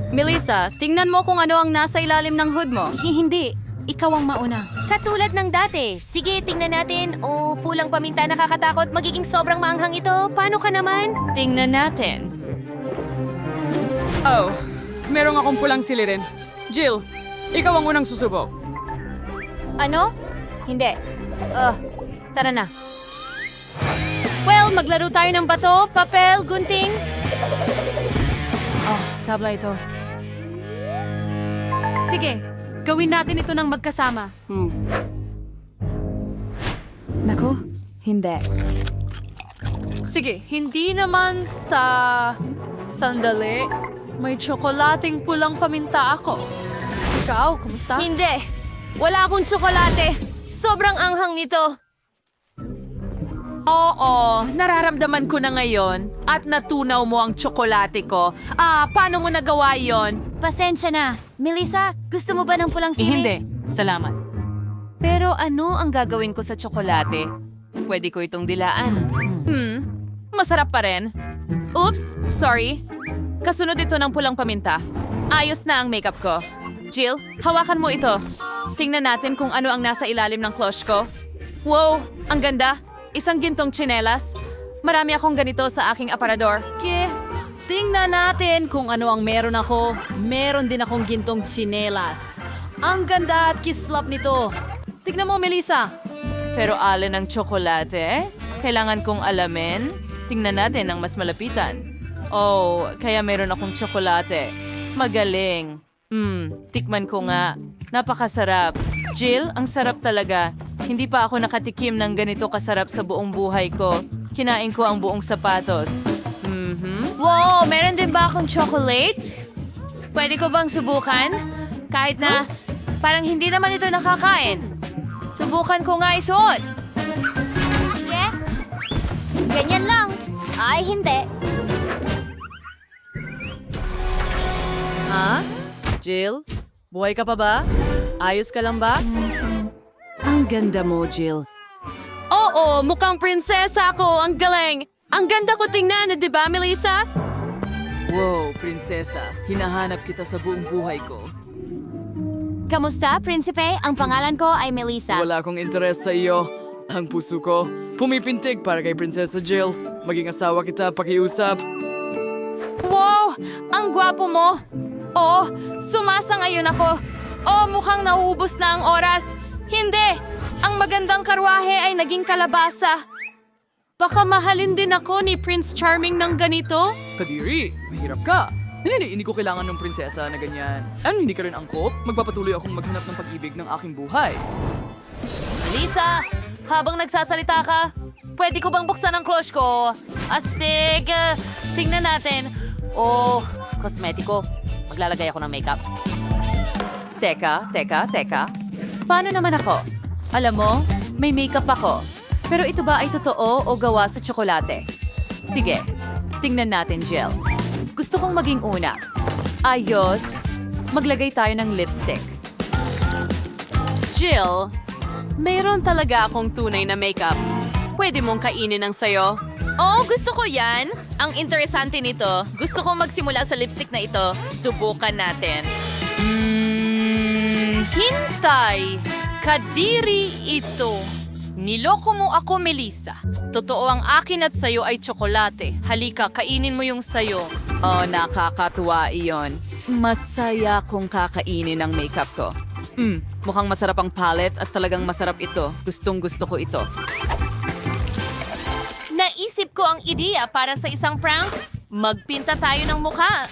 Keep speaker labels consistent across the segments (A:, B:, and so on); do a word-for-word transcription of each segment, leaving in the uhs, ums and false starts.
A: Melissa, tingnan mo kung ano ang nasa ilalim ng hood mo.
B: Hindi. Ikaw ang mauna.
C: Katulad ng dati. Sige, tingnan natin. O, pulang paminta nakakatakot. Magiging sobrang maanghang ito. Paano ka naman?
A: Tingnan natin.
D: Oh, merong akong pulang silirin. Jill, ikaw ang unang susubok.
A: Ano? Hindi. Uh, tara na. Well, maglaro tayo ng bato, papel, gunting.
B: Oh, tabla ito.
A: Sige, gawin natin ito ng magkasama.
D: Hmm.
B: Naku, hindi.
A: Sige, hindi naman sa... Sandali. May tsokolating pulang paminta ako. Ikaw, kumusta?
C: Hindi. Wala akong tsokolate. Sobrang anghang nito.
E: Oo, nararamdaman ko na ngayon at natunaw mo ang tsokolate ko. Ah, paano mo nagawa yon?
B: Pasensya na. Melissa, gusto mo ba ng pulang
D: Eh,
B: sili?
D: hindi. Salamat.
A: Pero ano ang gagawin ko sa tsokolate? Pwede ko itong dilaan.
E: Hmm, masarap pa rin. Oops, sorry. Kasunod ito ng pulang paminta. Ayos na ang makeup ko. Jill, hawakan mo ito. Tingnan natin kung ano ang nasa ilalim ng cloche ko. Wow, ang ganda. Isang gintong tsinelas. Marami akong ganito sa aking aparador.
F: Ke, tingnan natin kung ano ang meron ako. Meron din akong gintong tsinelas. Ang ganda at kislap nito. Tignan mo, Melissa.
E: Pero alin ang tsokolate? Kailangan kong alamin. Tingnan natin ang mas malapitan. Oh, kaya meron akong tsokolate. Magaling. Hmm, tikman ko nga. Napakasarap. Jill, ang sarap talaga. Hindi pa ako nakatikim ng ganito kasarap sa buong buhay ko. Kinain ko ang buong sapatos. Mhm.
C: Wow, meron din ba akong chocolate? Pwede ko bang subukan? Kahit na parang hindi naman ito nakakain. Subukan ko nga isuot.
B: Yeah? Ganyan lang. Ay, hindi.
F: Ha? Jill? Buhay ka pa ba? Ayos ka lang ba?
D: Ang ganda mo, Jill.
A: Oo, mukhang prinsesa ako. Ang galing. Ang ganda ko tingnan, di ba, Melissa?
F: Wow, prinsesa. Hinahanap kita sa buong buhay ko.
B: Kamusta, prinsipe? Ang pangalan ko ay Melissa.
G: Wala akong interes sa iyo. Ang puso ko, pumipintig para kay Prinsesa Jill. Maging asawa kita, pakiusap.
A: Wow! Ang gwapo mo! Oh, sumasangayon ako. Oh, mukhang nauubos na ang oras. Hindi! Ang magandang karwahe ay naging kalabasa. Baka mahalin din ako ni Prince Charming ng ganito.
G: Kadiri, mahirap ka. Hindi, hindi ko kailangan ng prinsesa na ganyan. Ano, hindi ka rin angkop? Magpapatuloy akong maghanap ng pag-ibig ng aking buhay.
C: Lisa, habang nagsasalita ka, pwede ko bang buksan ang cloche ko? Astig! Uh, tingnan natin. Oh, kosmetiko. Maglalagay ako ng makeup.
E: Teka, teka, teka. Paano naman ako? Alam mo, may makeup ako. Pero ito ba ay totoo o gawa sa tsokolate? Sige, tingnan natin, Jill. Gusto kong maging una. Ayos. Maglagay tayo ng lipstick.
A: Jill, mayroon talaga akong tunay na makeup. Pwede mong kainin ang sayo. Oh, gusto ko yan. Ang interesante nito. Gusto kong magsimula sa lipstick na ito. Subukan natin. Mm, hintay! Kadiri ito. Niloko mo ako, Melissa. Totoo ang akin at sayo ay tsokolate. Halika, kainin mo yung sayo.
E: Oh, nakakatuwa iyon. Masaya kong kakainin ang makeup ko. Hmm, mukhang masarap ang palette at talagang masarap ito. Gustong gusto ko ito.
C: Naisip ko ang ideya para sa isang prank. Magpinta tayo ng mukha.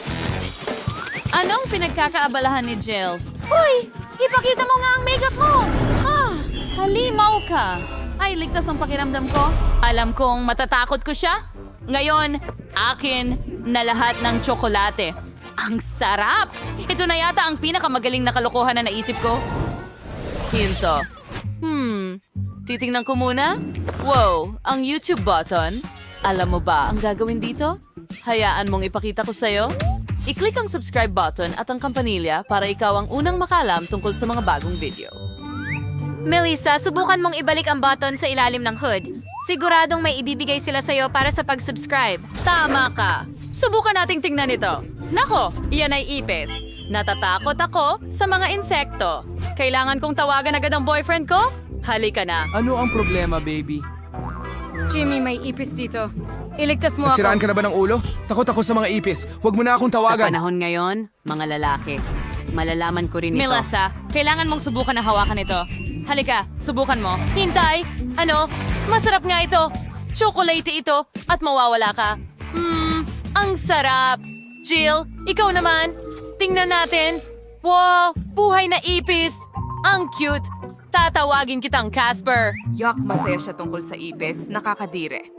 A: Anong pinagkakaabalahan ni Jill?
B: Uy! Ipakita mo nga ang makeup mo!
A: Ah, halimaw ka. Ay, ligtas ang pakiramdam ko. Alam kong matatakot ko siya. Ngayon, akin na lahat ng tsokolate. Ang sarap! Ito na yata ang pinakamagaling na kalokohan na naisip ko.
E: Hinto. Hmm, titingnan ko muna. Wow, ang YouTube button. Alam mo ba ang gagawin dito? Hayaan mong ipakita ko sa'yo. I-click ang subscribe button at ang kampanilya para ikaw ang unang makalam tungkol sa mga bagong video.
B: Melissa, subukan mong ibalik ang button sa ilalim ng hood. Siguradong may ibibigay sila sa'yo para sa pag-subscribe.
A: Tama ka. Subukan nating tingnan ito. Nako, iyan ay ipis. Natatakot ako sa mga insekto. Kailangan kong tawagan agad ang boyfriend ko? Halika na.
G: Ano ang problema, baby?
A: Jimmy, may ipis dito. Iligtas mo
H: Nasiraan
A: ako.
H: ka na ba ng ulo? Takot ako sa mga ipis. Huwag mo na akong
F: Sa
H: tawagan.
F: panahon ngayon, mga lalaki, malalaman ko rin ito.
A: Melissa, kailangan mong subukan na hawakan ito. Halika, subukan mo.
C: Hintay! Ano? Masarap nga ito. Chocolate ito at mawawala ka. Mmm, ang sarap. Jill, ikaw naman. Tingnan natin. Wow, buhay na ipis. Ang cute. Tatawagin kitang Casper.
I: Yak, masaya siya tungkol sa ipis. Nakakadire.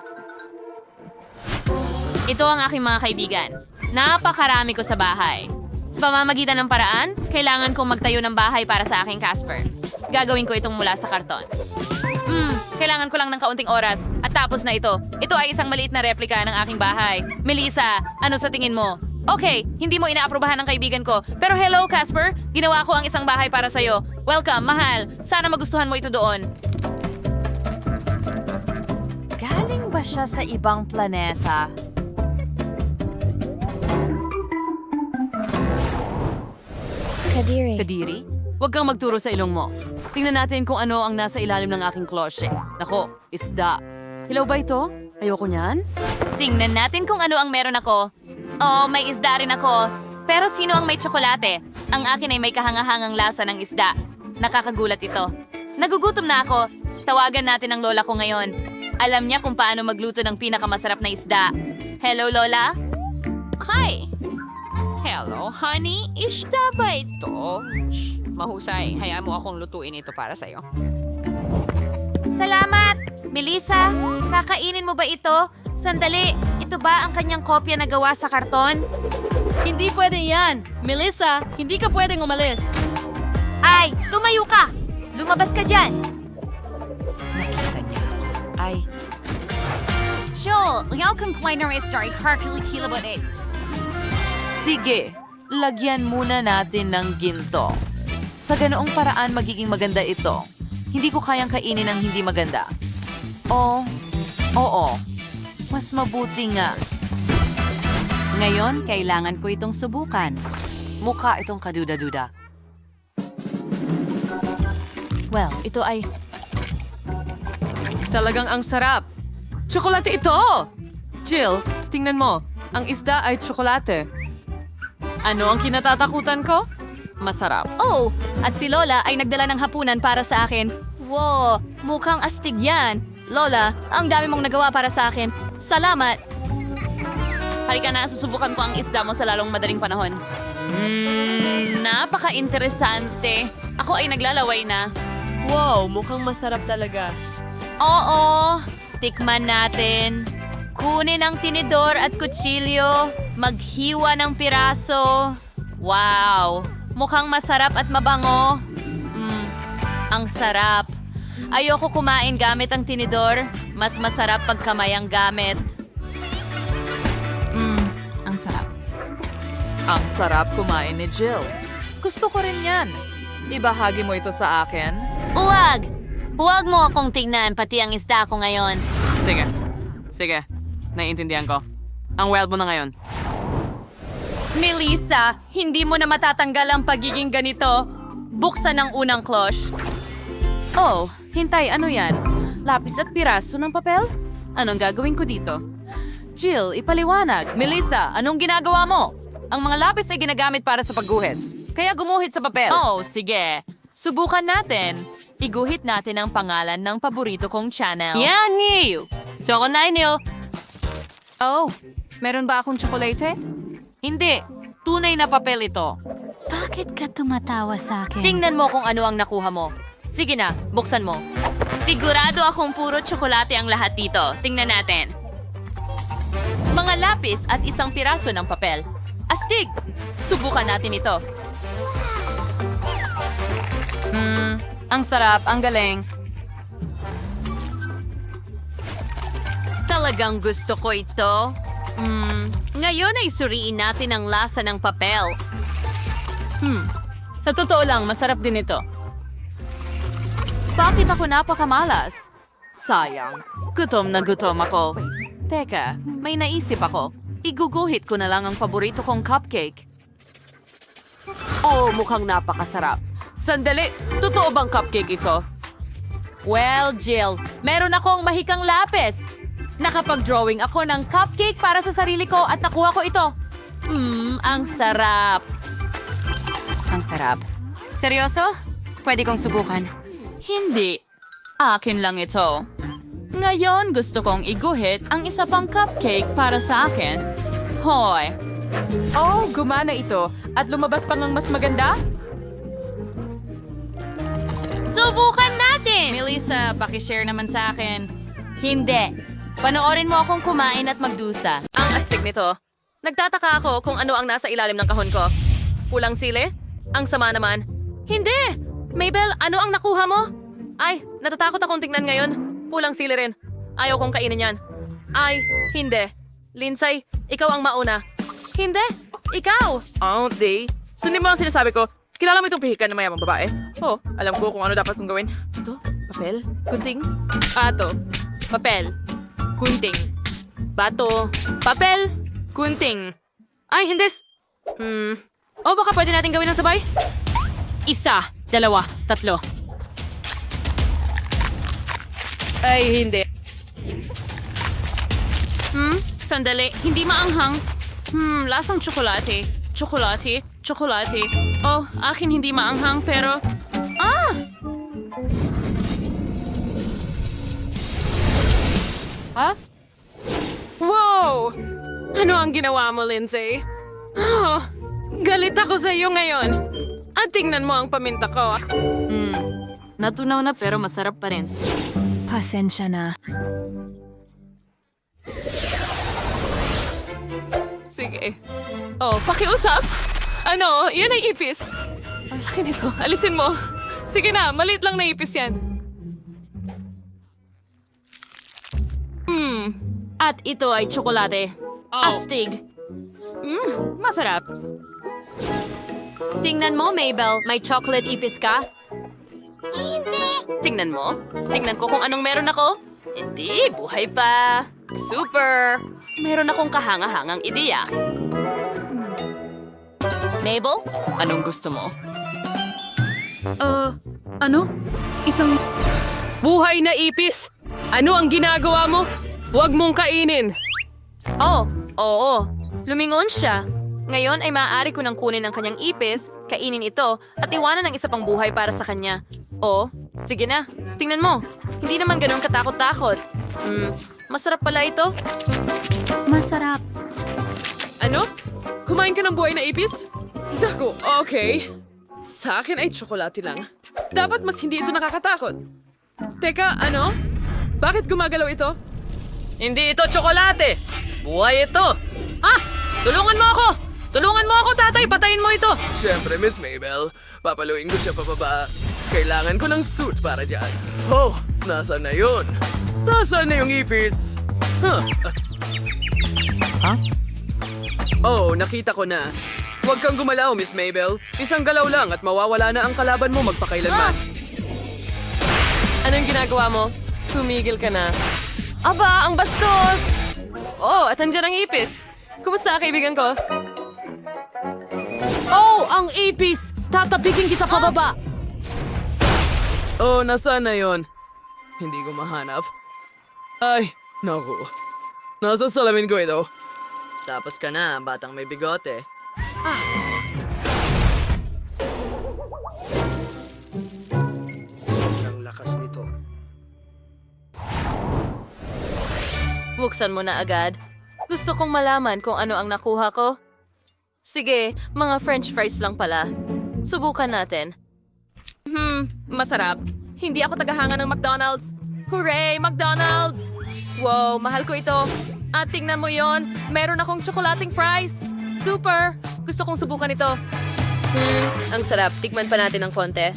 C: Ito ang aking mga kaibigan. Napakarami ko sa bahay. Sa pamamagitan ng paraan, kailangan kong magtayo ng bahay para sa aking Casper. Gagawin ko itong mula sa karton. Hmm, kailangan ko lang ng kaunting oras at tapos na ito. Ito ay isang maliit na replika ng aking bahay. Melissa, ano sa tingin mo? Okay, hindi mo inaaprobahan ng kaibigan ko. Pero hello, Casper. Ginawa ko ang isang bahay para sa'yo. Welcome, mahal. Sana magustuhan mo ito doon.
E: Galing ba siya sa ibang planeta?
C: Kadiri, huwag kang magturo sa ilong mo. Tingnan natin kung ano ang nasa ilalim ng aking klosye. Nako, isda. Hilaw ba ito? Ayoko niyan. Tingnan natin kung ano ang meron ako. Oh, may isda rin ako. Pero sino ang may tsokolate? Ang akin ay may kahangahangang lasa ng isda. Nakakagulat ito. Nagugutom na ako. Tawagan natin ang lola ko ngayon. Alam niya kung paano magluto ng pinakamasarap na isda. Hello, Lola?
A: Hi! Hello, honey. Isda ba ito? Shh, mahusay. Hayaan mo akong lutuin ito para sa'yo.
C: Salamat! Melissa, kakainin mo ba ito? Sandali, ito ba ang kanyang kopya na gawa sa karton?
F: Hindi pwede yan. Melissa, hindi ka pwedeng umalis.
C: Ay, tumayo ka! Lumabas ka dyan!
F: Nakita niya ako. Ay,
A: Joel, yaw kang kway na restart. Harkilikila ba eh?
E: Sige, lagyan muna natin ng ginto. Sa ganoong paraan magiging maganda ito. Hindi ko kayang kainin ng hindi maganda. O, oo, mas mabuti nga.
F: ngayon, kailangan ko itong subukan.
C: Mukha itong kaduda-duda. Well, ito ay...
E: Talagang ang sarap. Tsokolate ito! Jill, tingnan mo. Ang isda ay tsokolate. Ano ang kinatatakutan ko? Masarap.
A: Oh, at si Lola ay nagdala ng hapunan para sa akin. Wow, mukhang astig yan. Lola, ang dami mong nagawa para sa akin. Salamat.
C: Halika na, susubukan ko ang isda mo sa lalong madaling panahon. Mmm, napaka-interesante. Ako ay naglalaway na.
E: Wow, mukhang masarap talaga.
C: Oo, tikman natin. Kunin ang tinidor at kutsilyo. Maghiwa ng piraso. Wow, mukhang masarap at mabango. Mm, ang sarap. Ayoko kumain gamit ang tinidor. Mas masarap pag kamay ang gamit.
A: Mmm, ang sarap.
E: Ang sarap kumain ni Jill. Gusto ko rin yan. Ibahagi mo ito sa akin.
C: Huwag! Huwag mo akong tingnan, pati ang isda ko ngayon.
E: Sige. Sige. Naiintindihan ko. Ang wild mo na ngayon.
C: Melissa, hindi mo na matatanggal ang pagiging ganito. Buksan ang unang cloche.
E: Oh, hintay, ano yan? Lapis at piraso ng papel? Anong gagawin ko dito? Jill, ipaliwanag.
C: Melissa, anong ginagawa mo? Ang mga lapis ay ginagamit para sa pagguhit. Kaya gumuhit sa papel. Oh, sige. Subukan natin. Iguhit natin ang pangalan ng paborito kong channel. Yan, Niyo! So, ako na inyo.
E: Oh, meron ba akong tsokolate?
C: Hindi. Tunay na papel ito.
B: Bakit ka tumatawa sa akin?
C: Tingnan mo kung ano ang nakuha mo. Sige na, buksan mo. Sigurado akong puro tsokolate ang lahat dito. Tingnan natin. Mga lapis at isang piraso ng papel. Astig! Subukan natin ito. Hmm, ang sarap, ang galing. Talagang gusto ko ito. Hmm, ngayon ay suriin natin ang lasa ng papel. Hmm, sa totoo lang, masarap din ito.
E: Bakit ako napakamalas? Sayang. Gutom na gutom ako. Teka, may naisip ako.
C: iguguhit ko na lang ang paborito kong cupcake. Oh, mukhang napakasarap. Sandali, totoo bang cupcake ito?
E: Well, Jill, meron akong mahikang lapis. Nakapag-drawing ako ng cupcake para sa sarili ko at nakuha ko ito. Mmm, ang sarap.
A: Ang sarap. Seryoso? Pwede kong subukan.
E: Hindi. Akin lang ito. Ngayon, gusto kong iguhit ang isa pang cupcake para sa akin. Hoy!
D: Oh, gumana ito. At lumabas pa ng mas maganda?
A: Subukan natin! Melissa, pakishare naman sa akin.
B: Hindi. Panoorin mo akong kumain at magdusa.
C: Ang astig nito. Nagtataka ako kung ano ang nasa ilalim ng kahon ko. Pulang sili? Ang sama naman. Hindi! Mabel, ano ang nakuha mo? Ay, natatakot akong tingnan ngayon. Pulang sili rin. Ayaw kong kainin yan. Ay, hindi. Lindsay, ikaw ang mauna. Hindi! Ikaw!
J: Oh, di. Sundin mo ang sinasabi ko. Kilala mo itong pihikan na mayamang babae? Oh, alam ko kung ano dapat kong gawin. Ito, papel, gunting, ato, papel, gunting, bato, papel, gunting. Ay, hindi. Hmm. O baka pwede natin gawin ng sabay? Isa, dalawa, tatlo. Ay, hindi. Hmm, sandali. Hindi maanghang. Hmm, lasang tsokolate. Tsokolate, tsokolate. Oh, akin hindi maanghang pero... Ah! Ha? Wow! Ano ang ginawa mo, Lindsay? Oh, galit ako sa iyo ngayon. At tingnan mo ang paminta ko.
E: Hmm, natunaw na pero masarap pa rin.
A: Pasensya na.
J: Sige. Oh, pakiusap. Ano, yan ay ipis. Ang laki nito. Alisin mo. Sige na, maliit lang na ipis yan.
E: Hmm, at ito ay tsokolate. Astig. Hmm, masarap.
B: Tingnan mo, Mabel. May chocolate ipis ka?
C: Tingnan mo. Tingnan ko kung anong meron ako. Hindi, buhay pa. Super! Meron akong kahanga-hangang ideya.
B: Mabel?
E: Anong gusto mo?
J: Uh, ano? Isang... Buhay na ipis! Ano ang ginagawa mo? Huwag mong kainin!
C: Oh, oo. Lumingon siya. Ngayon ay maaari ko nang kunin ang kanyang ipis, kainin ito, at iwanan ng isa pang buhay para sa kanya. O, sige na. Tingnan mo. Hindi naman ganun katakot-takot. Hmm, masarap pala ito.
B: Masarap.
J: Ano? Kumain ka ng buhay na ipis? Naku, okay. Sa akin ay tsokolate lang. Dapat mas hindi ito nakakatakot. Teka, ano? Bakit gumagalaw ito?
C: Hindi ito tsokolate! Buhay ito! Ah! Tulungan mo ako! Tulungan mo ako, tatay! Patayin mo ito!
G: Siyempre, Miss Mabel. Papaluin ko siya pababa. Kailangan ko ng suit para dyan. Oh, nasaan na yun? Nasaan na yung ipis? Huh? Huh? Oh, nakita ko na. Huwag kang gumalaw, Miss Mabel. Isang galaw lang at mawawala na ang kalaban mo magpakailanman.
J: Anong ginagawa mo? Tumigil ka na. Aba, ang bastos! Oh, at andyan ang ipis. Kumusta, kaibigan ko? Oh, ang ipis! Tatapigin kita pababa!
G: Oh, nasaan na yun? Hindi ko mahanap. Ay, naku. Nasa salamin ko ito. Tapos ka na, batang may bigote. Ah! Ang lakas nito.
C: Buksan mo na agad. Gusto kong malaman kung ano ang nakuha ko. Sige, mga french fries lang pala. Subukan natin. Hmm, masarap. Hindi ako tagahanga ng McDonald's. Hooray, McDonald's! Wow, mahal ko ito. At tingnan mo yon, meron akong tsokolating fries. Super! Gusto kong subukan ito. Hmm, ang sarap. Tikman pa natin ng konti.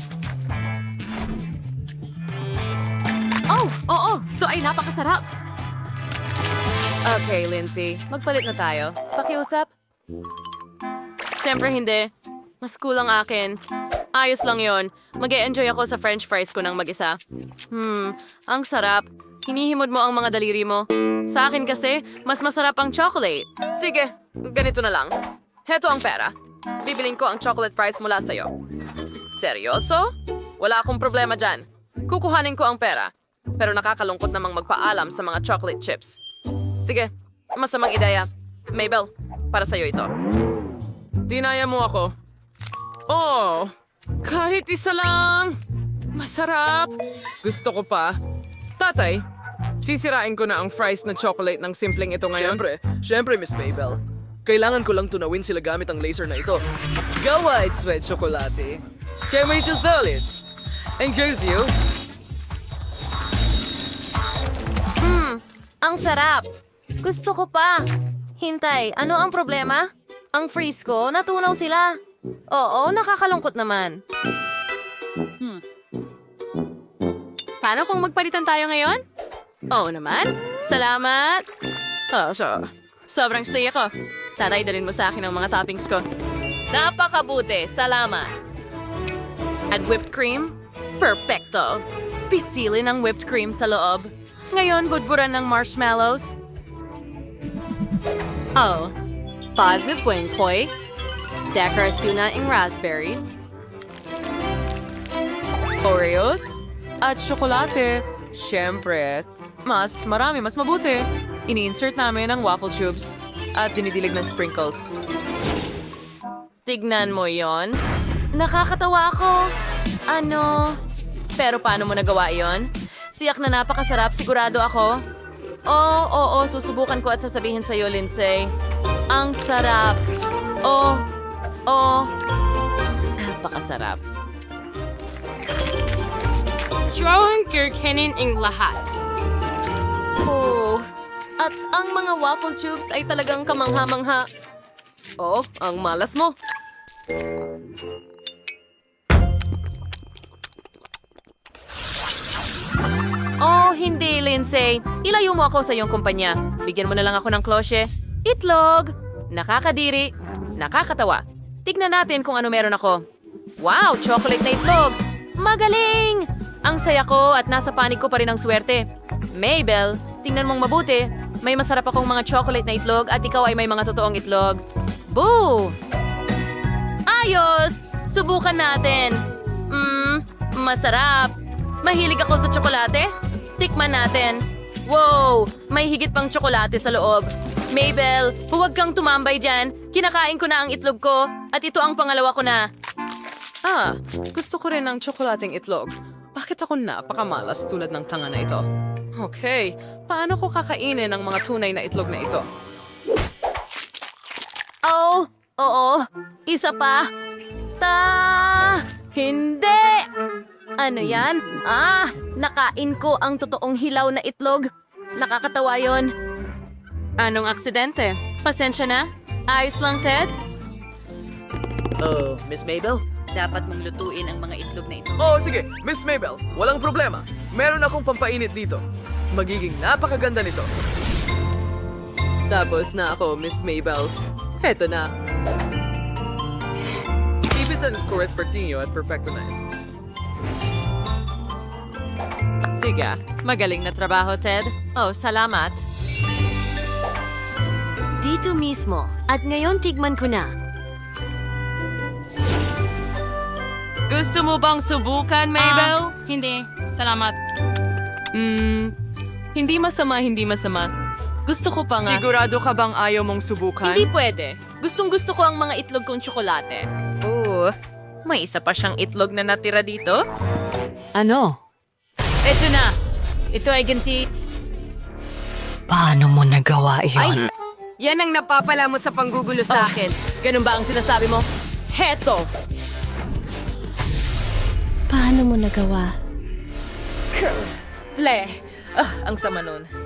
J: Oh, oo, so ay napakasarap. Okay, Lindsay, magpalit na tayo. Pakiusap?
C: Siyempre hindi. Mas kulang akin. Ayos lang yon. Mag-e-enjoy ako sa french fries ko ng mag-isa. Hmm, ang sarap.
J: hinihimod mo ang mga daliri mo. Sa akin kasi, mas masarap ang chocolate. Sige, ganito na lang. Heto ang pera. Bibiling ko ang chocolate fries mula sa'yo. Seryoso? Wala akong problema dyan. Kukuhanin ko ang pera. Pero nakakalungkot namang magpaalam sa mga chocolate chips. Sige, masamang ideya. Mabel, para sa'yo ito.
D: Dinaya mo ako. Oh, kahit isa lang. Masarap. Gusto ko pa. Tatay, sisirain ko na ang fries na chocolate ng simpleng ito ngayon.
G: Siyempre, siyempre, Miss Mabel. Kailangan ko lang tunawin sila gamit ang laser na ito.
F: Go white sweat chocolate.
G: Can't wait to sell it. And here's you.
C: Ang sarap! Gusto ko pa! Hintay, ano ang problema? Ang freeze ko, natunaw sila. Oo, nakakalungkot naman.
J: Paano kung magpalitan tayo ngayon? Oo naman. Salamat. Oh, so, sobrang saya ko. Tatay, dalhin mo sa akin ang mga toppings ko. Napakabuti. Salamat. At whipped cream? Perfecto. Pisilin ang whipped cream sa loob. Ngayon, budburan ng marshmallows. Oh. Positive buen koy. Dekorasyon na ng raspberries. Oreos. At tsokolate. Siyempre, mas marami, mas mabuti. Ini-insert namin ang waffle tubes at dinidilig ng sprinkles.
C: Tignan mo yon. Nakakatawa ako. Ano? Pero paano mo nagawa yon? Siyak na napakasarap, sigurado ako. Oo, oo, susubukan ko at sasabihin sa'yo, Lindsay. Ang sarap. Oh, oh. Napakasarap.
A: Drawing kirkanin ang lahat.
C: Oh, at ang mga waffle tubes ay talagang kamangha-mangha. Oh, ang malas mo. Oh, hindi, Lindsay. Ilayo mo ako sa iyong kumpanya. Bigyan mo na lang ako ng klosye. Itlog! Nakakadiri. Nakakatawa. Tignan natin kung ano meron ako. Wow, chocolate na itlog! Magaling! Ang saya ko at nasa panig ko pa rin ang swerte. Mabel, tingnan mong mabuti. May masarap akong mga chocolate na itlog at ikaw ay may mga totoong itlog. Boo! Ayos! Subukan natin. Mmm, masarap. Mahilig ako sa tsokolate. Tikman natin. Wow! May higit pang tsokolate sa loob. Mabel, huwag kang tumambay dyan. Kinakain ko na ang itlog ko at ito ang pangalawa ko na.
J: Ah, gusto ko rin ng tsokolating itlog. Bakit ako napakamalas tulad ng tanga na ito? Okay, paano ko kakainin ang mga tunay na itlog na ito?
C: Oh, oo. Isa pa. Ta! Hindi! Ano yan? Ah, nakain ko ang totoong hilaw na itlog. Nakakatawa yon.
J: Anong aksidente? Pasensya na? Ayos lang, Ted?
G: Oh, Miss Mabel?
F: Dapat mong lutuin ang mga itlog na ito.
G: Oh, sige, Miss Mabel, walang problema. Meron akong pampainit dito. Magiging napakaganda nito.
J: Tapos na ako, Miss Mabel. Heto na.
G: Ibisan ko Respertinho at Perfecto Nice.
C: Sige, magaling na trabaho, Ted. Oh, salamat.
B: Dito mismo. At ngayon tigman ko na.
E: Gusto mo bang subukan, Mabel?
A: Hindi. Salamat.
E: Hmm, hindi masama, hindi masama. Gusto ko pa nga.
D: Sigurado ka bang ayaw mong subukan?
C: Hindi pwede. Gustong gusto ko ang mga itlog kong tsokolate.
E: Oo, may isa pa siyang itlog na natira dito.
B: Ano?
C: Ito na. Ito ay ganti.
B: Paano mo nagawa iyon?
C: Yan ang napapala mo sa panggugulo sa akin. Ganun ba ang sinasabi mo? Heto!
A: Paano mo nagawa?
C: Le! Ah, ang sama nun.